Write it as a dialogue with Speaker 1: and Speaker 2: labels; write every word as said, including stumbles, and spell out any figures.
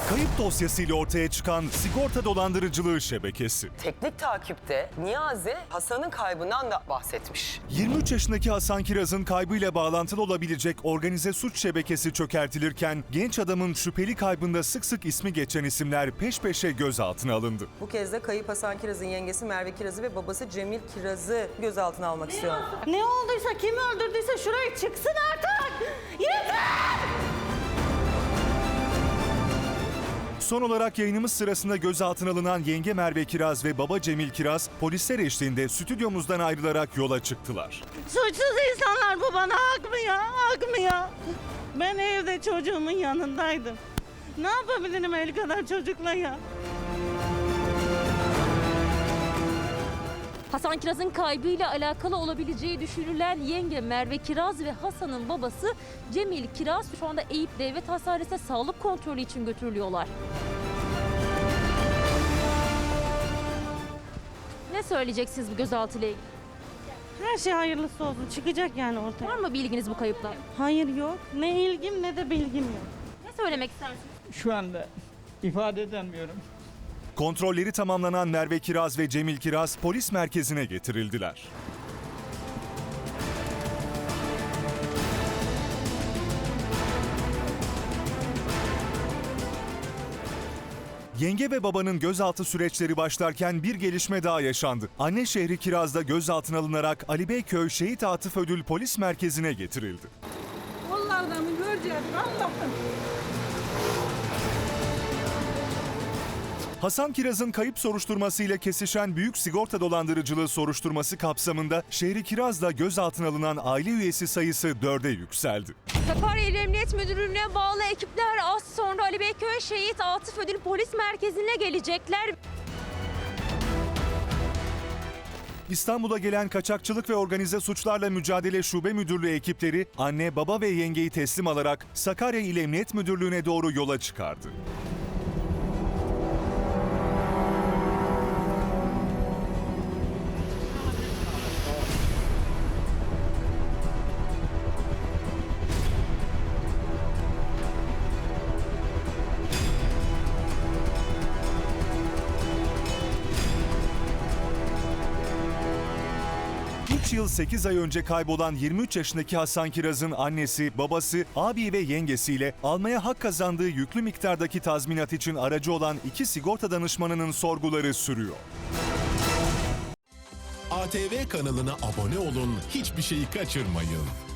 Speaker 1: Kayıp dosyasıyla ortaya çıkan sigorta dolandırıcılığı şebekesi.
Speaker 2: Teknik takipte Niyazi Hasan'ın kaybından da bahsetmiş.
Speaker 1: yirmi üç yaşındaki Hasan Kiraz'ın kaybıyla bağlantılı olabilecek organize suç şebekesi çökertilirken genç adamın şüpheli kaybında sık sık ismi geçen isimler peş peşe gözaltına alındı.
Speaker 2: Bu kez de kayıp Hasan Kiraz'ın yengesi Merve Kiraz'ı ve babası Cemil Kiraz'ı gözaltına almak istiyor.
Speaker 3: Ne olduysa, kim öldürdüyse şuraya çıksın artık! Yeter!
Speaker 1: Son olarak yayınımız sırasında gözaltına alınan yenge Merve Kiraz ve baba Cemil Kiraz polisler eşliğinde stüdyomuzdan ayrılarak yola çıktılar.
Speaker 3: Suçsuz insanlar, bu bana hak mı ya? Hak mı ya? Ben evde çocuğumun yanındaydım. Ne yapabilirim el kadar çocukla ya?
Speaker 4: Hasan Kiraz'ın kaybıyla alakalı olabileceği düşünülen yenge Merve Kiraz ve Hasan'ın babası Cemil Kiraz şu anda Eyüp Devlet Hastanesi'ne sağlık kontrolü için götürülüyorlar. Ne söyleyeceksiniz bu gözaltıyla ilgili?
Speaker 3: Her şey hayırlısı olsun. Çıkacak yani ortaya.
Speaker 4: Var mı bilginiz bu kayıpla?
Speaker 3: Hayır yok. Ne ilgim ne de bilgim yok.
Speaker 4: Ne söylemek istersiniz?
Speaker 5: Şu anda ifade edemiyorum.
Speaker 1: Kontrolleri tamamlanan Merve Kiraz ve Cemil Kiraz polis merkezine getirildiler. Yenge ve babanın gözaltı süreçleri başlarken bir gelişme daha yaşandı. Anne şehri Kiraz'da gözaltına alınarak Ali Beyköy Şehit Atıf Ödül Polis Merkezi'ne getirildi.
Speaker 3: Allah'ını göreceğiz Allah'ım.
Speaker 1: Hasan Kiraz'ın kayıp soruşturmasıyla kesişen büyük sigorta dolandırıcılığı soruşturması kapsamında şehri Kiraz'da gözaltına alınan aile üyesi sayısı dörde yükseldi.
Speaker 4: Sakarya İl Emniyet Müdürlüğü'ne bağlı ekipler az sonra Ali Beyköy Şehit Atıf Ödül Polis Merkezi'ne gelecekler.
Speaker 1: İstanbul'a gelen Kaçakçılık ve Organize Suçlarla Mücadele Şube Müdürlüğü ekipleri anne, baba ve yengeyi teslim alarak Sakarya İl Emniyet Müdürlüğü'ne doğru yola çıkardı. üç yıl sekiz ay önce kaybolan yirmi üç yaşındaki Hasan Kiraz'ın annesi, babası, abi ve yengesiyle almaya hak kazandığı yüklü miktardaki tazminat için aracı olan iki sigorta danışmanının sorguları sürüyor.
Speaker 6: A T V kanalına abone olun, hiçbir şeyi kaçırmayın.